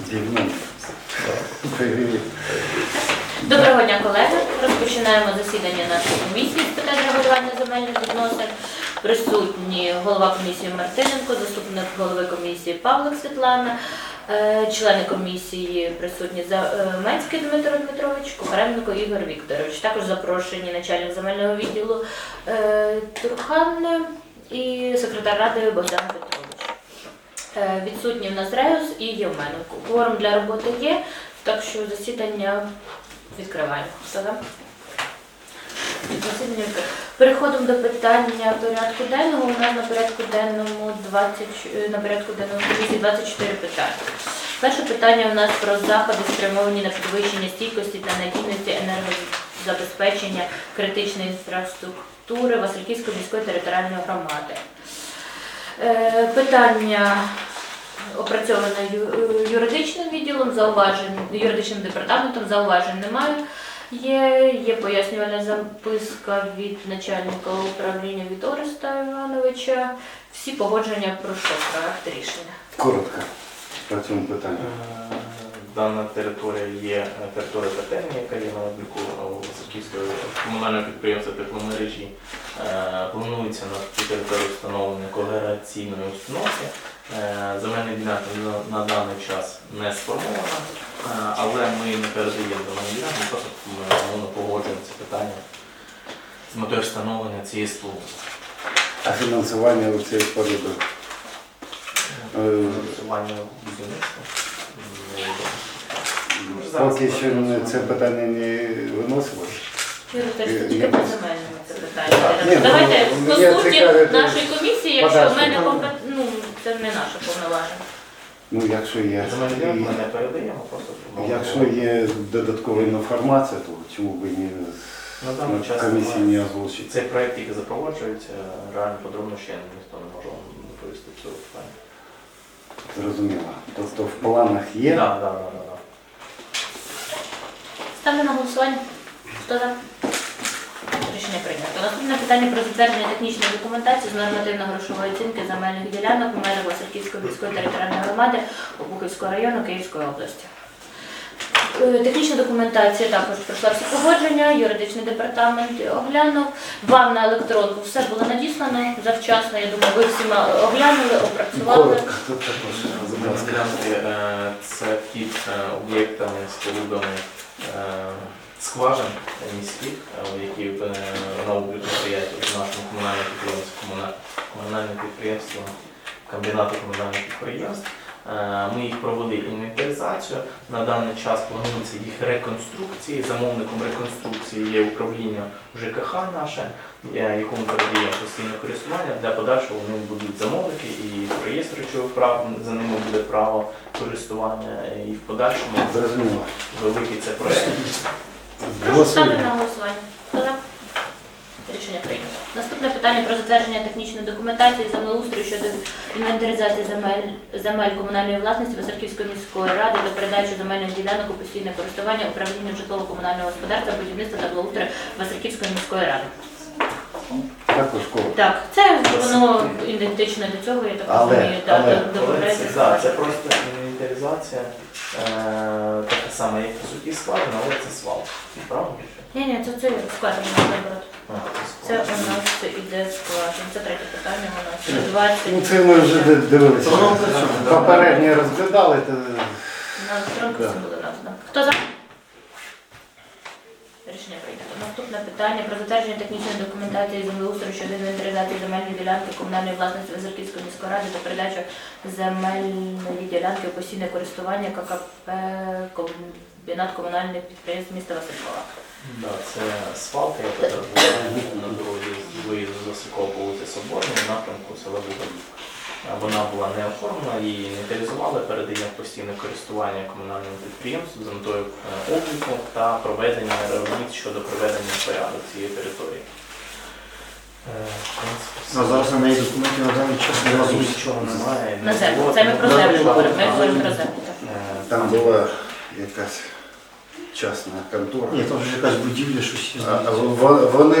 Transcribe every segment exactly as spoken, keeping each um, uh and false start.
Доброго дня, колеги. Розпочинаємо засідання нашої комісії з питань регулювання земельних відносин. Присутні голова комісії Мартиненко, заступник голови комісії Павлик Світлана, члени комісії присутні Менський Дмитро Дмитрович, Кухаренко Ігор Вікторович. Також запрошені начальник земельного відділу Турхан і секретар ради Богдан Петрович. Відсутні в нас Реус і Євмененко. Кворум для роботи є, так що засідання відкриваємо. Хто там? Засідання відкриваємо. Переходимо до питання порядку денного. У нас на порядку денному двадцять, на порядку денному комісії двадцять чотири питання. Перше питання у нас про заходи, спрямовані на підвищення стійкості та надійності енергозабезпечення критичної інфраструктури Васильківської міської територіальної громади. Питання опрацьоване юридичним відділом, зауважень, юридичним департаментом, зауважень немає. Є, є пояснювальна записка від начальника управління від Ореста Івановича. Всі погодження пройшло проект рішення. Коротко про цьому питанню. Дана територія є територія котельні, яка є на обліку Васильківського комунального підприємства тепломережі. Планується на цій території встановлення когенераційної установки. Земельна ділянка на даний час не сформована, але ми не передаємо земельну ділянку, просто ми погоджуємо це питання з метою встановлення цієї споруди. А фінансування у цієї споруди? Фінансування будівництва. Поки що це питання не виносилось. Юрій, тільки по земельному це питання. Давайте по суті нашої комісії, якщо в мене компет... ну, це не наше повноваження. Ну, якщо є, Земельну ми не передаємо, просто якщо є додаткова інформація, то чому б і не комісії не озвучити? Цей проєкт тільки запроваджується, реально подробно ще ніхто не може вам доповісти цього питання. Зрозуміло. Тобто в планах є? Так, так, так. Ставлю на голосування. Хто за? Рішення прийнято. Наступне питання про затвердження технічної документації з нормативно-грошової оцінки земельних ділянок у межах Васильківської міської територіальної громади Обухівського району Київської області. Технічна документація також пройшла всі погодження, юридичний департамент оглянув. Вам на електронку все було надіслано завчасно, я думаю, ви всі оглянули, опрацювали. Коротко, тут також. Ділянки це під об'єктами, спорудами скважин міських, які на обліку стоять в нашому комунальному підприємстві, комунальне підприємство, комбінату комунальних підприємств. Ми їх провели інвентаризацію. На даний час планується їх реконструкції. Замовником реконструкції є управління ЖКХ наше, якому передаємо постійне користування. Для подальшого вони будуть замовники і реєстр речових прав, за ними буде право користування і в подальшому великий це проєкт. Прошу ставити на голосування. Хто за? Рішення прийнято. Наступне питання про затвердження технічної документації землеустрою щодо інвентаризації земель, земель комунальної власності Васильківської міської ради та передачу земельних ділянок у постійне користування управління житлово-комунального господарства, будівництва та благоустрою Васильківської міської ради. Також коротко. Так, це воно ідентично до цього, я так розумію, додається. Це просто інвентаризація, така сама, як по суті складена, але це свал. Правильно? Ні, ні, це, це складено, наоборот. Це у нас іде складено. Це третє питання у нас. двадцять. Ну це ми вже дивилися. Попередньо розглядали. На електронку це було названо. Хто за? Рішення прийнято. Наступне питання про затвердження технічної документації землеустрою щодо інвентаризації земельної ділянки комунальної власності Васильківської міської ради та передачу земельної ділянки у постійне користування ККП комбінат комунальних підприємств міста Василькова. Да, це свалка, яка була на дорозі з виїзду з Василькова по вулиці Соборній, в напрямку села Бугорівка. Вона була не оформлена, її інвентаризували, передаємо в постійне користування комунальному підприємству з метою обліку та проведення робіт щодо проведення порядку цієї території. А зараз на неї документів на даний час не разу нічого немає. На землю. Це ми про землю говоримо, ми говоримо про землю. Там була якась частна контора. Ні, там вже якась будівля, щось є. А вони, вони, вони...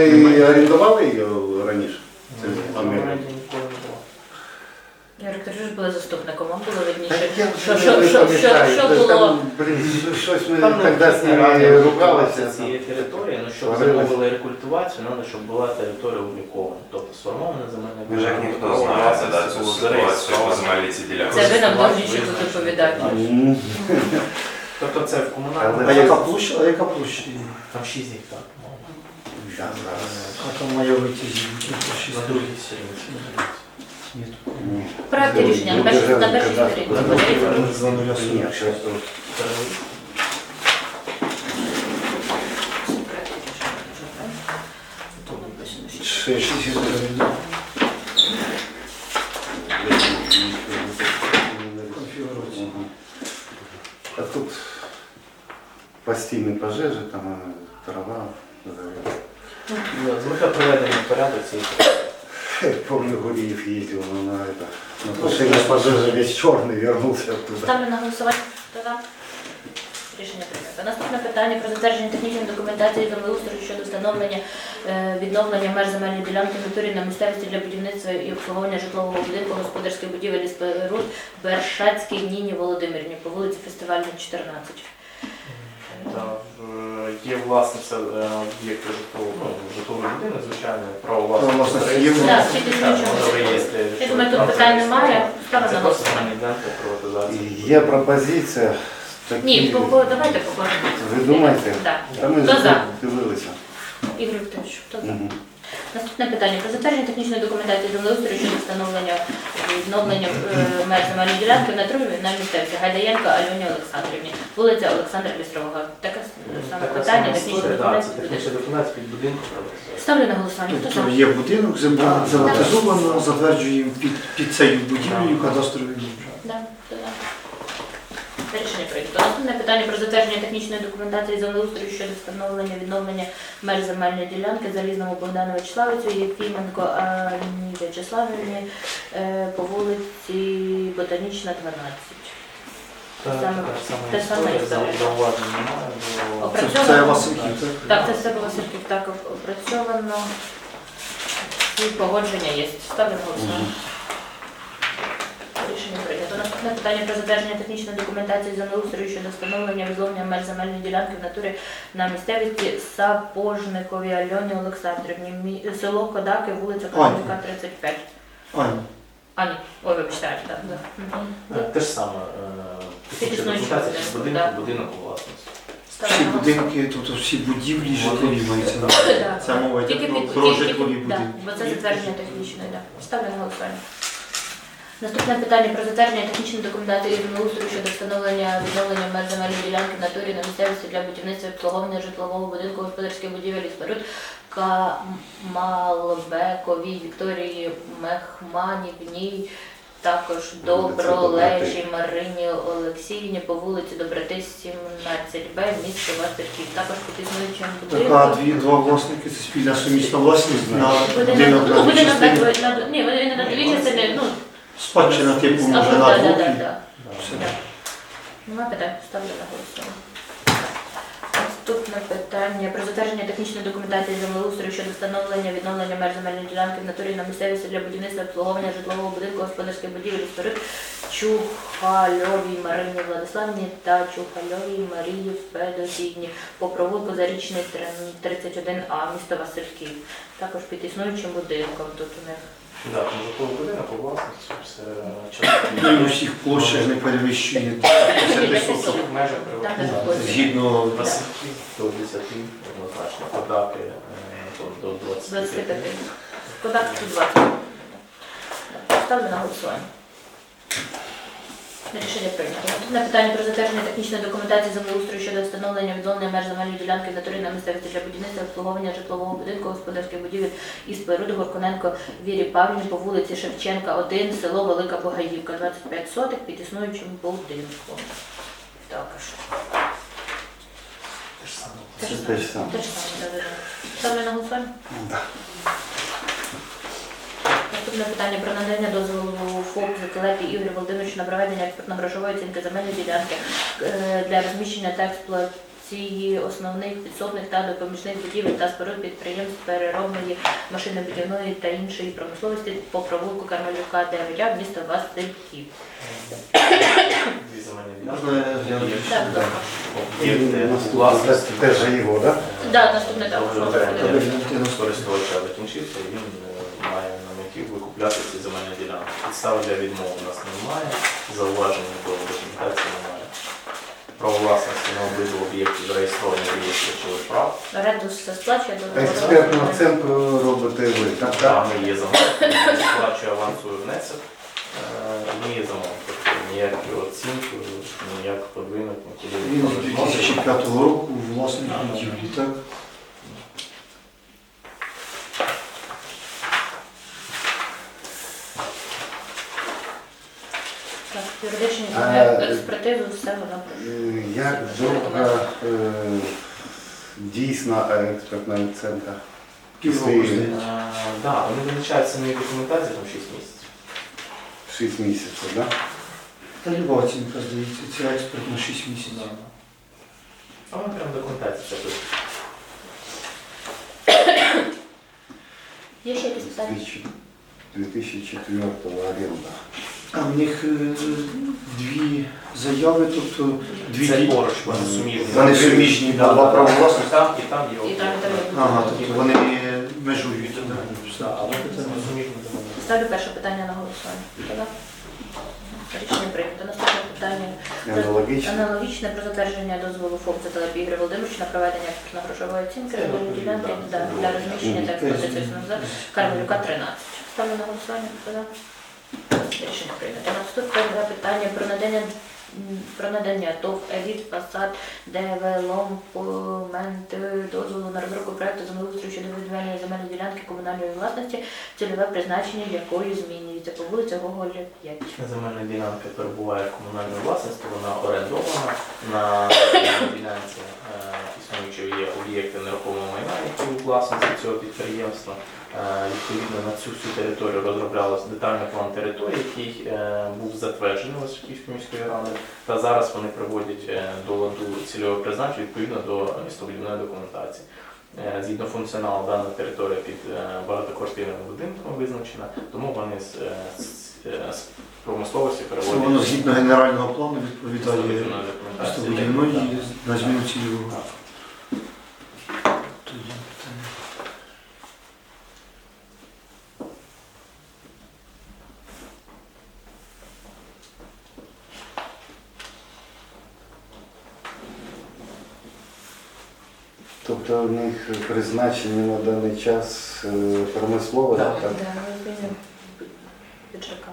Немає. орендували її раніше? Це Вона земля? раді ніколи не була. Ігор Вікторович, ви ж були заступником, вам було видніше. Так я Що, вже що, не що, що, пам'ятаю. що Та було? там, блін, щось ми Там тоді з написано, ними реально ругалися. рекультивація цієї території, ну щоб Сварились. замовили рекультивацію, треба, щоб була територія облікована. Тобто сформована земельна Ми ж як ніхто право знає власності да, цю було ситуацію по зареєстровано. земельній цій ділянці. Це ви нам Власне, дуже ще визначено. доповідати. М, Тобто це в Але- комунальному. А яка площа? А яка площа? Там шість гектар. да, зараз. А там має вийти зі На другій сторінці. Ні. Проекти рішення на Ну, першій державний на першій кадастр. сторінці. Ну, Подивіться. За нуля Ні, щас тут. Тут написано, що- Шесть. конфігурації. Мгм. А тут постійні пожежі, там е, трава. завелась. Ну, З метою проведення порядку цієї Я помню, Гуриев ездил на, на это, на тушение пожежи, весь черный, вернулся оттуда. Ставлю на голосування. Хто за? Рішення прийнято. Наступне питання про затвердження технічної документації землеустрою щодо встановлення е, відновлення меж земельної ділянки в натурі на місцевості для будівництва і обслуговування житлового будинку, господарських будівель і споруд Бершацькій Ніні Володимирівні по вулиці Фестивальній, чотирнадцять. Та, в- Є власниця е, об'єкту житлового, ну, житловий будинок, звичайно, право Право власності. власності є. Так, тільки Так, слідчого. воно в реєстрі. Я думаю, тут питань немає. Ставлю Це на просто голосування. земельна ділянка приватизації. Є пропозиція. такі- Ні, по- по- давайте по кожному. Ви думаєте? Так. Та ми Хто ж за? дивилися. Ігор Вікторович, хто за? Мгм. Наступне питання про затвердження технічної документації землеустрою щодо встановлення і відновлення е, меж земельної ділянки на трубі на місцевці Гайдаєнко Альоні Олександрівні, вулиця Олександра Лістрового. Таке саме Така питання, сама технічна історія, да, документація. це технічна документація під будинком приватизації. Ставлю на голосування. Хто Тобто за? є будинок, земля приватизовано, затверджуємо під, під цією будівлею кадастровий номер. Да, хто за? Рішення прийнято. Наступне питання про затвердження технічної документації землеустрою щодо встановлення відновлення меж земельної ділянки Залізному Богдану Вячеславицю, Єфіменко Ані Вячеславівні е, по вулиці Ботанічна, дванадцять. Та- Саме- та сама те саме історія, історія. зауважень немає, бо- Опра- Це, Працьовано? це Васильків, так? Так, це все Васильків так опрацьовано. І погодження є. Ставлю на голосування. Рішення прийнято. Наступне питання про затвердження технічної документації землеустрою щодо встановлення відновлення меж земельної ділянки в натурі на місцевості Сапожникові Альоні Олександрівні, Мі- село Кодаки, вулиця Козака, тридцять п'ять. Аня. А, ні, ой, вибачте, так. Да. Мгм. Е, Те ж саме. е, Технічна існуючий документація під будинок, будинок, да. будинок у власності. Ставлю Всі на голосування. будинки, тобто всі будівлі житлові мається на Да. увазі. Це мова йде Тільки про, під- про тільки- житлові тільки- да, будинки. бо це затвердження технічної, так. Ставлю на голосування. Наступне питання про затвердження технічної документації землеустрою щодо встановлення відновлення меж земельної ділянки в натурі на місцевості для будівництва і обслуговування житлового будинку, господарських будівель і споруд Камалбековій Вікторії Мехманівній, також Добролежі Марині Олексіївні по вулиці Доброти, сімнадцять Б, місто Васильків. Також під існуючим Така будинком. дві, два власники, це спільна сумісна власність на Будинок, будинок ну, на дві будинок на, частини. на, ні, вони на дві частини, ну, Спадщина типу а, може да, на да, двох. да, і да. все. Да. Нема питань, ставлю на голосування. Наступне питання про затвердження технічної документації землеустрою щодо встановлення відновлення меж земельної ділянки в натурі на місцевості для будівництва і обслуговування житлового будинку, господарських будівель і споруд Чухальовій Марині Владиславівні та Чухальовій Марії Федосівні по провулку Зарічний тридцять один А, місто Васильків. Також під існуючим будинком тут у них. Да, там житловий будинок у власності, все Ну і у всіх площах не перевищує десять соток. в межах Там приватизації. не входить. Згідно Васильків до десяти, однозначно, Кодаки е, то до двадцяти двадцять п'яти. п'ять. Кодак тут двадцять. Ставлю на голосування. Рішення прийнято. Наступне питання про затвердження технічної документації землеустрою щодо встановлення відновлення меж земельної ділянки в натурі на місцевості для будівництва і обслуговування житлового будинку, господарських будівель і споруд Горконенко Вірі Павлівні по вулиці Шевченка, один, село Велика Богаївка, двадцять п'ять соток під існуючим будинком. Також. Те ж саме. Те ж Це саме. те ж саме. Те ж саме, да-да-да. Ставлю на голосування. Да. Наступне питання про надання дозволу ФОП Закелепі Ігорю Володимировичу на проведення експертно-грошової оцінки земельної ділянки е, для розміщення та експлуатації реконструкції основних підсобних та допоміжних будівель та споруд підприємств переробної машинобудівної та іншої промисловості по провулку Кармелюка, дев'ять А, місто Васильків. Дві земельні ділянки. Можна я гляну? Так, будь ласка. Об'єкти у Наступне власності. теж же його, так? Да, наступне також Вже можна оренда подивитися. користувача закінчився, і він е, має на меті викупляти ці земельні ділянки. Підстави для відмови у нас немає, зауважень до документації немає. Право власності на обидва об'єкти зареєстровані в реєстрі речових прав. Оренду все сплачує до Експертну оцінку робите ви, так? Там не є замовник, сплачує авансовий внесок, е, не є замовник. Тобто ніякі оцінки, ніяк подвинути, нікуди Він ніхто з не дві вносить. тисячі п'ятого року власник будівлі, так? Так, юридичні А, експертизу, все воно. Е, Як довго е, дійсна експертна оцінка? Півроку, Після- здається. Е, Да, вони визначають самі документації там шість місяців. шість місяців, так? Та люба оцінка, здається, це експерт на шість місяців. А вони прям документація пишуть. Є ще якісь питання? дві тисячі четвертого оренда. А в них е, дві заяви, тобто дві Це ді- поруч, вони суміжні. Вони суміжні, да, два права власності. І там, і там є. І там, і там є. Ага, тобто вони межують. Да, Так. але це не суміжні договори. Ставлю перше питання на голосування. Хто за? Рішення прийнято. Наступне питання. Аналогічно. Аналогічне про затвердження дозволу ФОП Зателепі Ігоря Володимировича на проведення експертно-грошової оцінки земельної ділянки да, для розміщення та експлуатації основних Кармелюка тринадцять. Ставлю на голосування. Хто за? Рішення прийнято. Наступне питання про надання м, про надання ТОВ «Еліт Фасад Девелопмент» дозволу на розробку проекту землеустрою щодо відведення земельної ділянки комунальної власності, цільове призначення якої змінюється по вулиці Гоголя, п'ять. Земельна ділянка перебуває в комунальній власності, вона орендована. На земельній ділянці е, існуючі є об'єкти нерухомого майна, які у власності цього підприємства. Е, Відповідно, на цю всю територію розроблявся детальний план території, який е, був затверджений Васильківською міською радою. Та зараз вони приводять е, до ладу цільового призначення відповідно до містобудівної документації. Е, Згідно функціоналу, дана територія під е, багатоквартирним будинком визначена, тому вони з, е, з, е, з промисловості Це переводять воно згідно генерального плану відповідає містобудівної документації. містобудівної на зміну цільового. Тоді питання. Тобто у них призначення на даний час е, промислове, Так. так? Да, ми звільнимо піджака.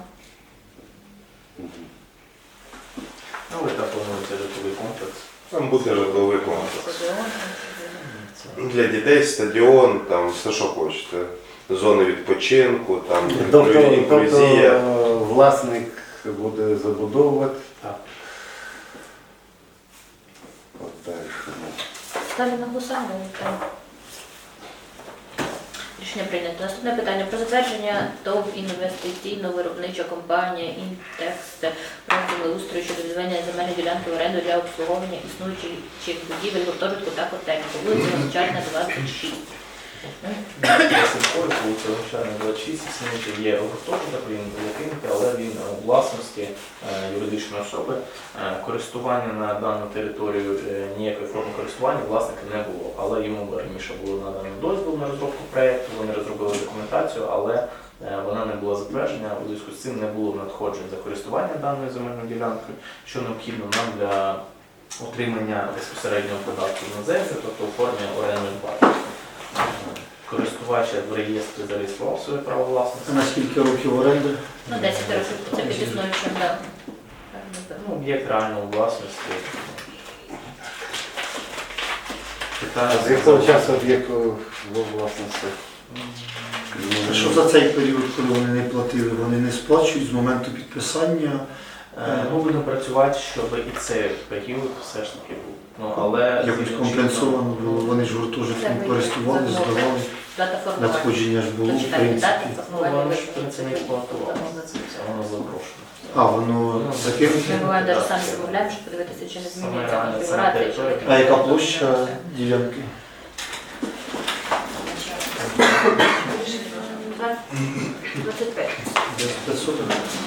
Ну, ви так плануєте житловий комплекс. Там буде житловий комплекс. Стадіон. Це Для дітей стадіон, там все, що хочете. Зони відпочинку, там Тобто, тобто інклюзія. е, власник буде забудовувати. так. От дальше. Ставлю на голосування. питання. Рішення прийнято. Наступне питання про затвердження ТОВ інвестиційно-виробнича компанія «Інтекст» про землеустрою щодо відведення земельної ділянки в оренду для обслуговування існуючих будівель, гуртожитку та котельні по вулиці Гончарна, двадцять шість. Василькова, вулиця Гончарна, двадцять шість, існуючий є гуртожиток, він закинутий, але він у власності е, юридичної особи. Е, Користування на дану територію, е, ніякої форми користування власника не було, але йому раніше було надано дозвіл на розробку проєкту, вони розробили документацію, але е, вона не була затверджена, у зв'язку з цим не було надходжень за користування даною земельною ділянкою, що необхідно нам для отримання безпосереднього податку на землю, тобто оформлення орендної плати. Користувач в реєстрі зареєстрував своє право А власності. на скільки років оренди? Ну, десять років. Це під існуючим, так. Ну, об'єкт реальної власності. Питання А з якого часу об'єкт во власності? А що за цей період, коли вони не платили, вони не сплачують з моменту підписання? Е, Ми будемо працювати, щоб і цей період все ж таки був. Ну, але Якось згідно компенсовано чинного- було, вони ж гуртожитком Це користували, ми здавали. Дата формування. Надходження ж було, в Почитайте дати принципі. Ну, формування. воно ж в принципі не експлуатувалося, це воно запрошено. А, воно Ми закинуте? буваємо навіть самі замовляємо, щоб подивитися, чи не змінюється Саме реальна конфігурація. чи територія. не А яка змінюється. площа ділянки? двадцять п'ять. Десь п'ятсот?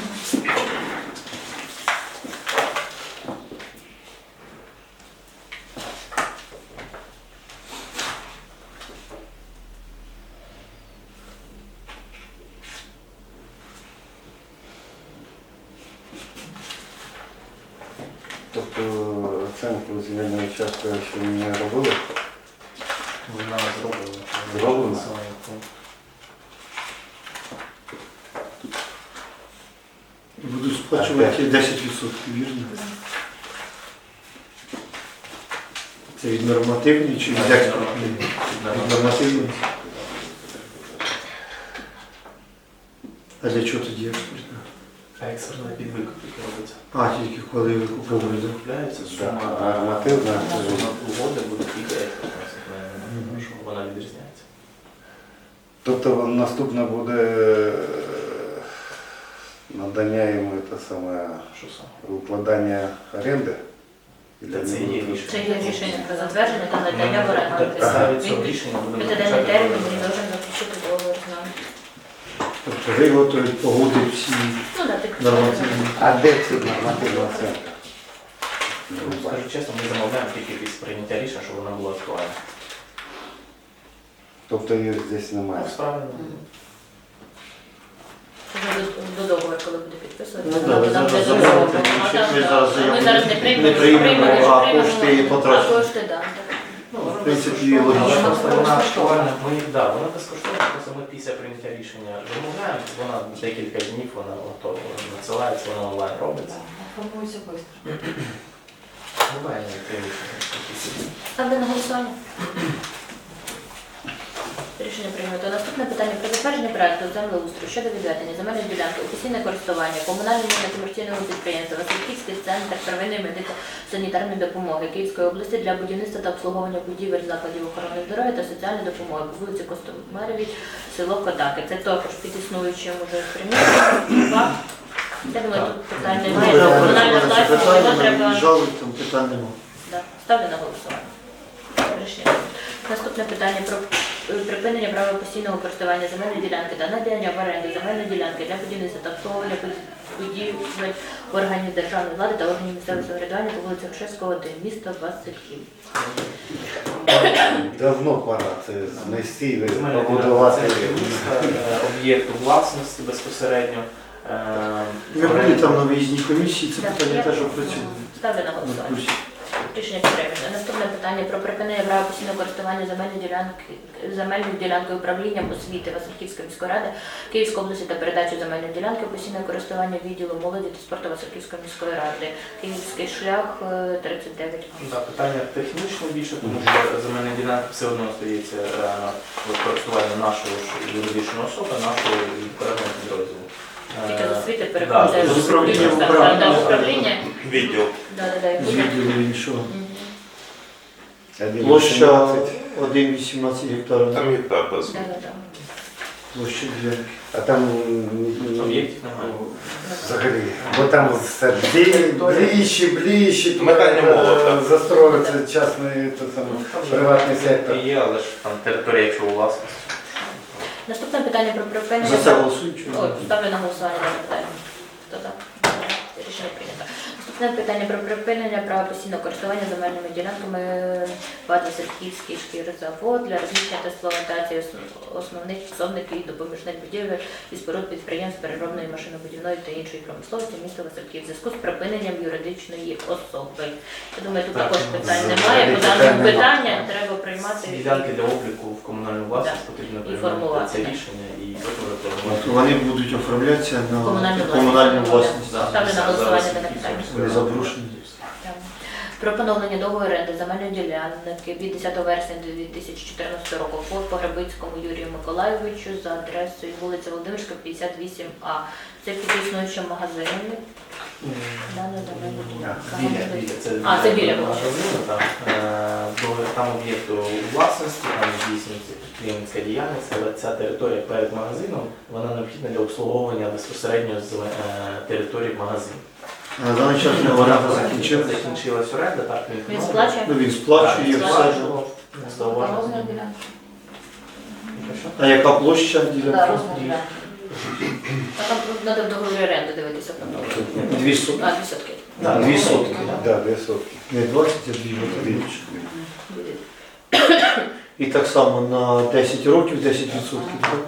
Тобто оценку земельного участка ще не робили? Вона зроблена. Зроблена? Будуть сплачувати десять відсотків, вірно? Це від нормативної чи від експортної? Від нормативної. А для чого тоді експортна? Експертна під викупки робиться. А, тільки коли ви купували, так? Купляється Да, сума нормативна. сума угоди буде тільки експертна, що вона відрізняється. Тобто наступне буде е, надання йому те саме Що саме? укладання оренди? Та це є рішення. Це є рішення про затвердження та надання в оренду. Підставі цього Він рішення будемо п'ятиденний заключати термін договір. він должен заключити договор з нами. Тобто ви готові погодити всі Ну, да, ти нормативні. А де це нормативна оценка? Ну, скажу чесно, ми замовляємо тільки після прийняття рішення, щоб вона була актуальна. Тобто її здесь немає. Ну, справді. Вже до, до договору, коли буде підписувати. Ну, да, ви зараз заявите, ми зараз заяву Ми зараз не приймемо, не приймемо, якщо а приймемо, кошти а потрачені. кошти, да, так. Ну, В принципі, вона логічно. просто вона актуальна. Ми, да, вона безкоштовна, просто ми після прийняття рішення замовляємо, вона декілька днів, вона готова, вона надсилається, вона онлайн робиться. Формується швидко. Буває навіть три рішення. Ставлю на голосування. Рішення прийнято. Наступне питання про затвердження проекту землеустрою щодо відведення земельної ділянки у постійне користування комунального некомерційного підприємства Васильківський центр первинної медико-санітарної допомоги Київської області для будівництва та обслуговування будівель закладів охорони здоров'я та соціальної допомоги по вулиці Костомаревій, село Котаки. Це також під існуючим уже приміщенням. Я думаю, тут питань немає. Вже Це комунальна опрацьоване це власність, його питання, треба. нам віджали, там питань немає. Да. Ставлю на голосування. Рішення. Наступне питання про е, припинення права постійного користування земельної ділянки та надання в оренду земельної ділянки для будівництва та обслуговування будівель органів державної влади та органів місцевого самоврядування по вулиці Грушевського, один, місто Васильків. Давно пора це знести, і Земельна побудувати. ділянка це міста, е, об'єкту власності безпосередньо. Е, Ми були там на виїзній комісії, це Так, питання я теж опрацюємо. Ставлю на На голосування. курсі. Рішення підтримано. Наступне питання про припинення права постійного користування земельної ділянки земельною ділянкою управлінням освіти Васильківської міської ради Київської області та передачу земельної ділянки у постійне користування відділу молоді та спорту Васильківської міської ради. Київський шлях е, тридцять дев'ять. Да, питання технічне більше, тому що земельна ділянка все одно стається в користуванні нашої ж юридичної особи, нашого відповідного підрозділу. Тільки з освіти Да, переходить з в управління в Так, управління. да, управління. Відділ. Да, да, да, і З буде. відділу іншого. Мгм. Один Площа вісімнадцять. один цілих вісімнадцять гектарів. Там гектар без. Да, да, да. Площа дві. А там м, Об'єктів немає. взагалі, бо там все блі- ближче, ближче, туди, Метання молота. е, застроїться частний те саме, Ну, там же приватний сектор. є, але ж там територія, якщо у власності. Наступне питання про припинення. За це голосують? чи ні? Ой, ставлю на голосування дане питання. Хто так? Рішення прийнято. Наступне питання про припинення права постійного користування земельними ділянками ВАД Васильківський шкірзавод для розміщення та експлуатації ос- основних підсобників і допоміжних будівель і споруд підприємств переробної машинобудівної та іншої промисловості міста Васильків в зв'язку з припиненням юридичної особи. Я думаю, тут Так, також ну, питань взагалі немає. По питань даному нема. питання треба приймати. Ділянки для обліку в комунальну власність потрібно приймати формувати, це так. рішення і потім От реформувати. Вони будуть оформлятися на Комунальну комунальну власність. власність. Ставлю на голосування дане питання. Вони заброшені. Так. Про поновлення договору оренди земельної ділянки від десятого вересня дві тисячі чотирнадцятого року по Погребицькому Юрію Миколайовичу за адресою вулиця Володимирська, п'ятдесят вісім А. Це під існуючим магазином. Дана земельна ділянка. Біля, біля. Це, А, це біля, магазину, так. Е, до- Там об'єкт у власності, там здійснюється підприємницька діяльність, але ця територія перед магазином, вона необхідна для обслуговування безпосередньо з е, території магазину. На даний час не оренда закінчилася. Закінчилась оренда, так, він, Він ну, сплачує? Ну, він сплачує так, все. сплачував, не Розмір зауваження. ділянки. Що? А яка площа Да, ділянки? розмір ділянки. А там треба в договорі оренди дивитися про договір. Дві сотки. А, дві сотки. Так, Дві сотки. Да, две сотки. Не двадцять, а дві сотки. Буде. І так само на десять років десять відсотків. так?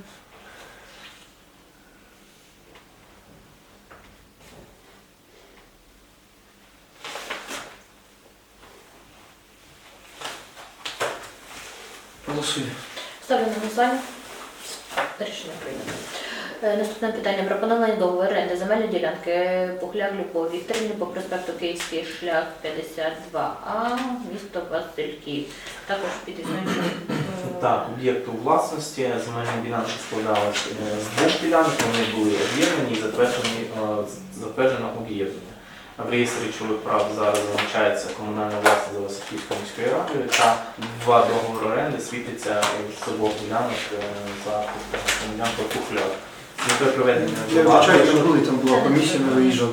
Голосуємо. Ставлю на голосування. Рішення прийнято. Е, Наступне питання про поновлення договору оренди земельної ділянки Пухляк Любов Вікторівні по проспекту Київський шлях п'ятдесят два А, місто Васильків. Також під існуючим. е, Так, об'єкт у власності, земельні ділянки складалися з двох ділянок, вони були об'єднані і затверджені, е, затверджено об'єднання. В реєстрі речових прав зараз зазначається комунальна власність за Васильківською міською радою та два договори оренди світиться з обох ділянок е, за ділянкою Пухляк. З метою проведення Я вважаю, що були, там була комісія, ми виїжджали.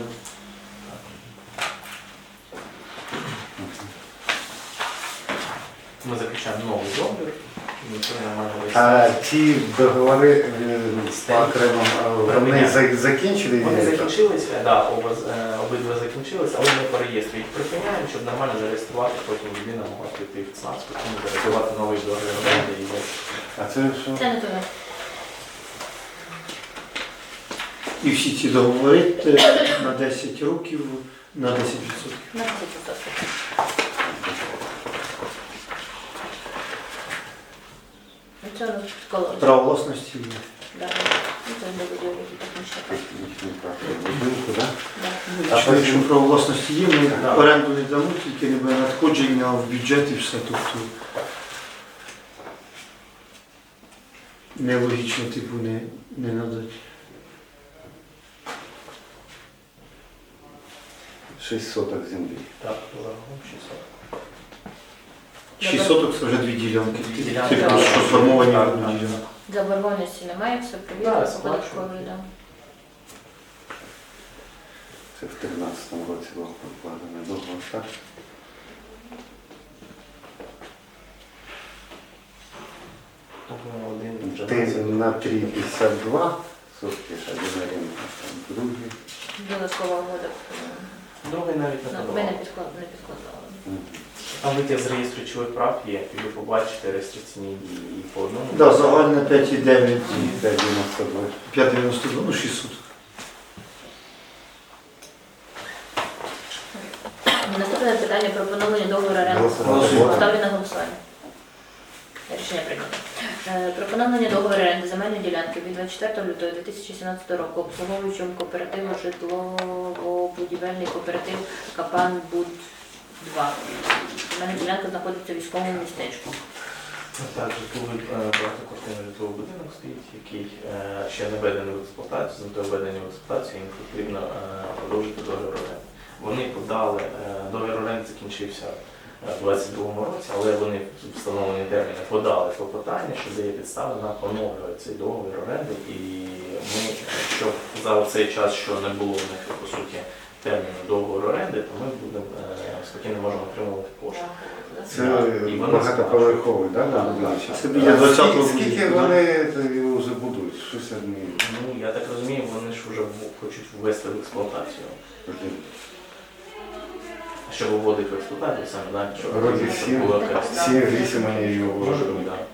ми заключаємо новий договір. Ніхто не має А реєстрації. ті договори е, по окремим, е, вони за- закінчили? Вони закінчилися, да, оба, з- е, обидва закінчилися, але ми по реєстрі їх припиняємо, щоб нормально зареєструвати, потім людина могла прийти в ЦНАП, потім зареєструвати новий договір оренди і ось. А це що? Це не туди. І всі ці договори е, на десять років на десять відсотків. На десять відсотків. Це школа. Право власності. Да. Ну, це не будівлі технічна. Технічний паспорт будинку, да? Да. А Якщо потім- право власності є, ми Да. оренду не дамо, тільки не буде надходження в бюджет і все. Тобто нелогічно типу не, не надати. шість соток землі. Так, загалом шістсот. шість соток це вже дві ділянки. Дві ділянки, Типу, так. що сформовані Так, в одну так. ділянку. Заборгованості немає, все Да, провірено, по сплачую. податковій, да. Це в тринадцятому році було покладено договор, так? Тобто один Ти тринадцять. на три п'ятдесят два сотки, ж один оренда, там другий. Додаткова угода. Другий навіть не Ну, Ми не подавав. підклад- не підкладали. Мгм. Там витяг з реєстру речових прав є, і ви побачите реєстраційні дії і по одному. Да, загальне п'ять і дев'ять, п'ять дев'яносто два. п'ять дев'яносто два, ну шість соток. Наступне питання про поновлення договору оренди. Голосувати. Ставлю на голосування. Рішення прийнято. Е, Про поновлення договору оренди земельної ділянки від двадцять четвертого лютого дві тисячі сімнадцятого року обслуговуючому кооперативу житлово-будівельний кооператив Капан Буд два. Земельна ділянка знаходиться в військовому містечку. Так, житловий е, багатоквартирний житловий будинок стоїть, який е, ще не введений в експлуатацію, з метою введення в експлуатацію їм потрібно е, продовжити договір оренди. Вони подали, е, договір оренди закінчився е, в двадцять другому році, але вони в встановлені терміни подали клопотання, що дає підстави на поновлювати цей договір оренди. І ми, якщо за цей час, що не було в них по суті терміну договору оренди, то ми будемо е, спокійно можемо отримувати кошти. Це І вони багатоповерховий, да? Так, будинок? так. Це біля двадцятого Скільки- Скільки будинку, вони це вже будують? Щось одні. Ну, я так розумію, вони ж вже в- хочуть ввести в експлуатацію. А що виводить в експлуатацію саме, так? Щоб Вроді щоб сім. було якась- Сім вісім вони його Може вводять. бути, так.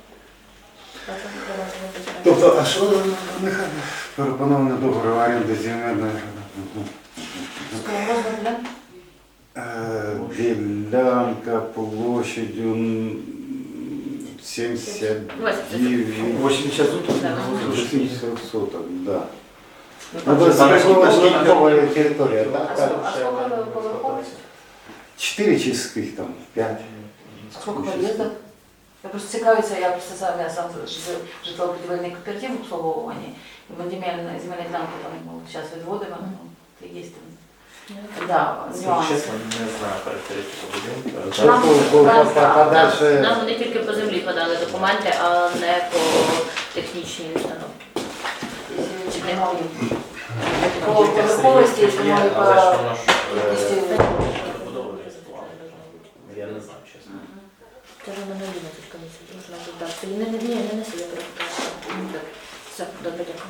Тобто, а що нехай пропоновано договор оренди земельної? Мгм. Розмір ділянки. Е, Ділянка площадю м, сімдесят дев'ять. вісімдесят соток? Да, шістдесят соток, да. Ну, Ну, там це же саме спекулятивна територія, так? А так? сколько- а сколько поверхов? Чотири чи скільки там? П'ять? Сколько подъездов? Я просто цікавиться, я просто сам, я сам жив- житлово-будівельний кооператив в обслуговуванні. І ми земельні земельні ділянки там ну, зараз відводимо, ну, це є там Да, Якщо нюанси. чесно, не знаю характеристику будинку. Та по- по- по- Нам, подальше- нам вони тільки по землі подали документи, а не по технічній установці. Чи немає? По поверховості, якщо Є, має але ж по воно ж кількості. е, побудовує склад. Я не знаю, чесно. Це ж воно не одинадцять комісій, можна додати. Не, не, ні, не неси, я перепитала. Все, добре, дякую.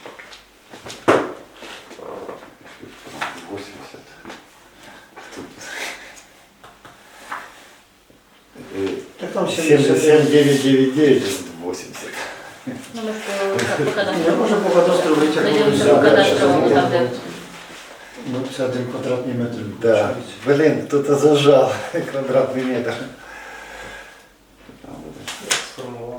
восемьдесят. Так там семьдесят семь девять девять девять восемьдесят. Ну, ми ж по- по Я кадастру. можу по кадастру Ми витягнути. дивимося Да, по да, кадастровому, щас там, де Ну, це один квадратний метр. Да. виходить. Блин, кто-то зажал квадратный метр. Як сформували?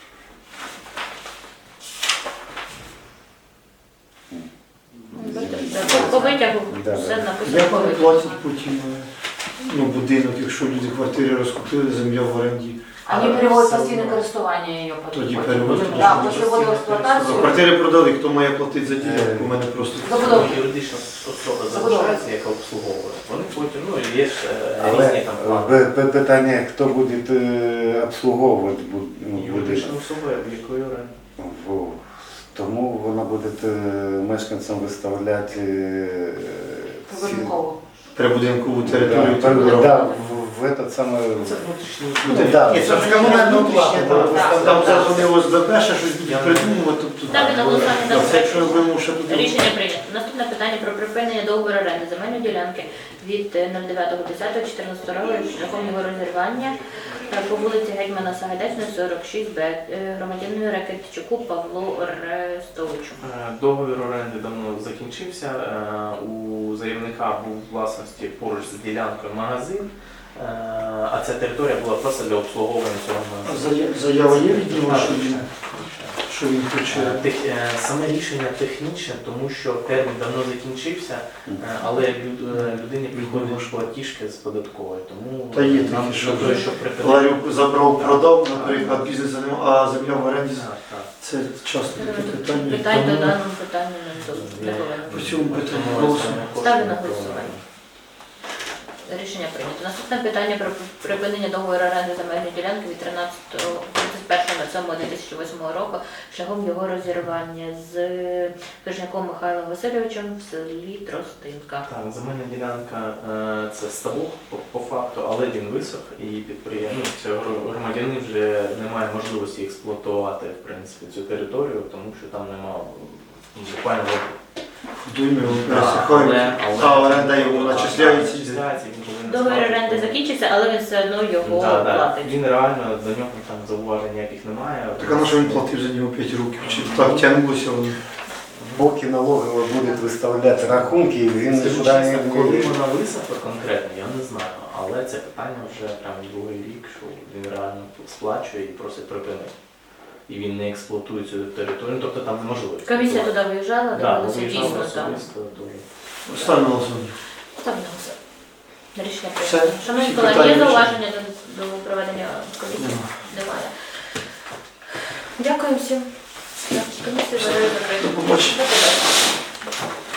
По- по витягу Да, все да. написано. Як по вони витягу. платять потім ну, будинок, якщо люди квартири розкупили, земля в оренді, Вони переводять постійне користування її тоді потім. переводять. Так, після вводу в експлуатацію. Квартири продали, хто має платити за ділянку, у мене просто. Забудова. Юридична особа Забудова. залишається, яка обслуговує. Вони потім, ну, є ж е, Але різні там плани. п- п- питання, хто буде е, обслуговувати бу- ну, будинок. Юридична особа, в якої оренди. Во. Тому вона буде е, мешканцям виставляти е, ці- Поверхово. Прибудинкову територію. Да, типу, да, в, в этот самый... Це внутрішні Ну, да, Ні, це ж комунальну плату, там, там зараз вони ОСББ ще щось будуть придумувати. Тобто, Ставлю на голосування да, даний це якщо проект. ми ще туди. Рішення прийнято. Наступне питання про припинення договору оренди земельної ділянки від е, нуль дев'ятого десятого чотирнадцятого року шляхом його розірвання е, по вулиці Гетьмана Сагайдачного, сорок шість Б, е, громадянину Ракетчуку Павлу Рестовичу. Е, Договір оренди давно закінчився. Е, У заявника був у власності поруч з ділянкою магазин, е, а ця територія була просто для обслуговування цього магазину. Зая- Заява є від нього, що він, що він хоче. Е, тех- е, Саме рішення технічне, тому що термін давно закінчився, е, але люд- е, людині приходять платіжки з податкової, тому Та є нам такі, що для того, щоб припинити. Ларюк забрав, продав, наприклад, бізнес, а земля в оренді. Так, так. Це часто таке питання. Питань до Тому даному питанню не до- не повинно. По цьому питанню Тому голосуємо. це Ставлю на кошти голосування. Рішення прийнято. Наступне питання про припинення договору оренди земельної ділянки від тринадцятого тридцять першого дві тисячі восьмого року шляхом його розірвання з Хижняком Михайлом Васильовичем в селі Тростинка. Так, земельна ділянка е, це ставок по, по факту, але він висох і підприємець, громадянин вже не має можливості експлуатувати в принципі цю територію, тому що там немає буквально води. Дуйми Але- пересихають, але- а оренда йому Так, начисляється. начисляється, він повинен Договір сплачувати. оренди закінчиться, але він все одно його Да, да. платить. Він реально, до нього там зауважень ніяких немає. Так а на що він платив за нього п'ять років? Чи так тягнулося воно? Поки налогово буде виставляти рахунки, він Скажу не чесно, коли знає. вона висохла конкретно, я не знаю. Але це питання вже прям другий рік, що він реально сплачує і просить припинити. І він не експлуатує цю територію, тобто там неможливо. Комісія туди виїжджала, Да, дивилася виїжджали дійсно там. особисто дуже. Ставлю на голосування. Ставлю на голосування. Рішення Все. прийнято. Шановні Всі колеги, є питання зауваження до, до проведення комісії? Нема. Немає. Дякую всім. Комісію закрито. До побачення. До побачення.